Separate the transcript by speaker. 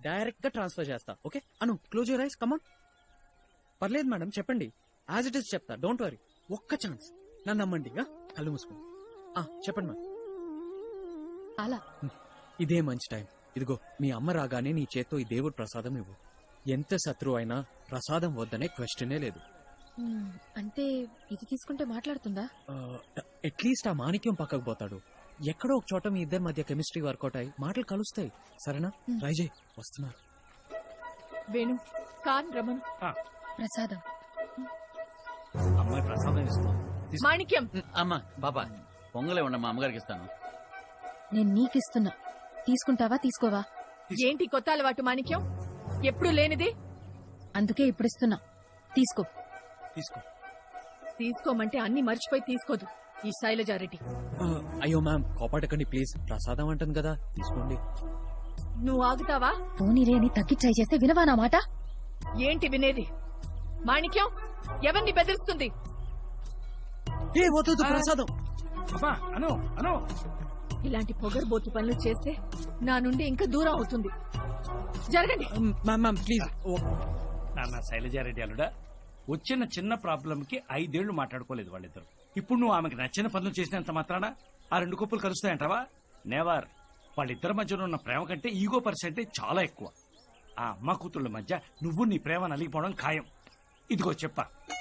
Speaker 1: Direct గా transfer చేస్తా. Okay Anu, close your eyes, come on. పర్లేదు మేడం, చెప్పండి. యాజ్ ఇట్ ఇస్ చెప్తా, డోంట్ వరీ. ఒక్క ఛాన్స్, నన్ను నమ్మండి. కళ్ళు మూసుకోండి. చెప్పండి మేడం.
Speaker 2: అలా
Speaker 1: ఇదే మంచి టైం. ఇదిగో మీ అమ్మ రాగానే నీ చేత్తో ఈ దేవుడి ప్రసాదం ఇవ్వు. ఎంత శత్రువు అయినా ప్రసాదం వద్దనే క్వశ్చనే లేదు.
Speaker 2: అంటే ఇది తీసుకుంటే మాట్లాడుతుందా?
Speaker 1: అట్లీస్ట్ ఆ మాణిక్యం పక్కకు పోతాడు. ఎక్కడో ఒక చోట మీ ఇద్దరి మధ్య కెమిస్ట్రీ వర్కౌట్ అయ్యి మాటలు కలుస్తాయి. సరేనా? ట్రై చేయి. వస్తున్నారు.
Speaker 2: వేణు, కాన్ రమను. ప్రసాదం.
Speaker 3: అమ్మాయి ప్రసాదం ఇస్తున్నాం.
Speaker 2: మాణిక్యం.
Speaker 4: అమ్మా బాబా పొంగలే ఉండమ్మా, అమ్మగారికి ఇస్తాను.
Speaker 2: నేను నీకిస్తున్నా, తీసుకుంటావా తీసుకోవా? ఏంటి కొత్త అలవాటు మాణిక్యం? ఎప్పుడు లేనిది. అందుకే ఇప్పుడు ఇస్తున్నా, తీసుకో. తీసుకోమంటే అన్ని మర్చిపోయి తీసుకోదు ఈ శైలజారెడ్డి.
Speaker 1: అయ్యో మ్యామ్, కోపాటకండి ప్లీజ్. ప్రసాదం అంటుంది కదా, తీసుకోండి.
Speaker 2: నువ్వు ఆగుతావా? పోనీరే అని తగ్గిచ్చాయి చేస్తే వినవా నా మాట? ఏంటి వినేది? మాణిక్యం ఎవరిని బెదిరిస్తుంది?
Speaker 1: ప్రసాదం.
Speaker 2: ఇలాంటి పొగరుబోతు పనులు చేస్తే నా నుండి ఇంకా దూరం అవుతుంది. జరగండి.
Speaker 1: Ma'am please.
Speaker 3: నాన్న శైలజారెడ్డి అల్లుడా, వచ్చిన చిన్న ప్రాబ్లం కి 5 ఏళ్లు మాట్లాడుకోలేదు వాళ్ళిద్దరు. ఇప్పుడు నువ్వు ఆమెకి నచ్చిన పనులు చేసినంత మాత్రాన ఆ 2 కుప్పలు కలుస్తాయంటావా? నెవర్. వాళ్ళిద్దరి మధ్యలో ఉన్న ప్రేమ కంటే ఈగో పర్సెంటేజ్ చాలా ఎక్కువ. ఆ అమ్మ కూతుళ్ళ మధ్య నువ్వు నీ ప్రేమ నలిగిపోవడం ఖాయం. ఇదిగో చెప్పా.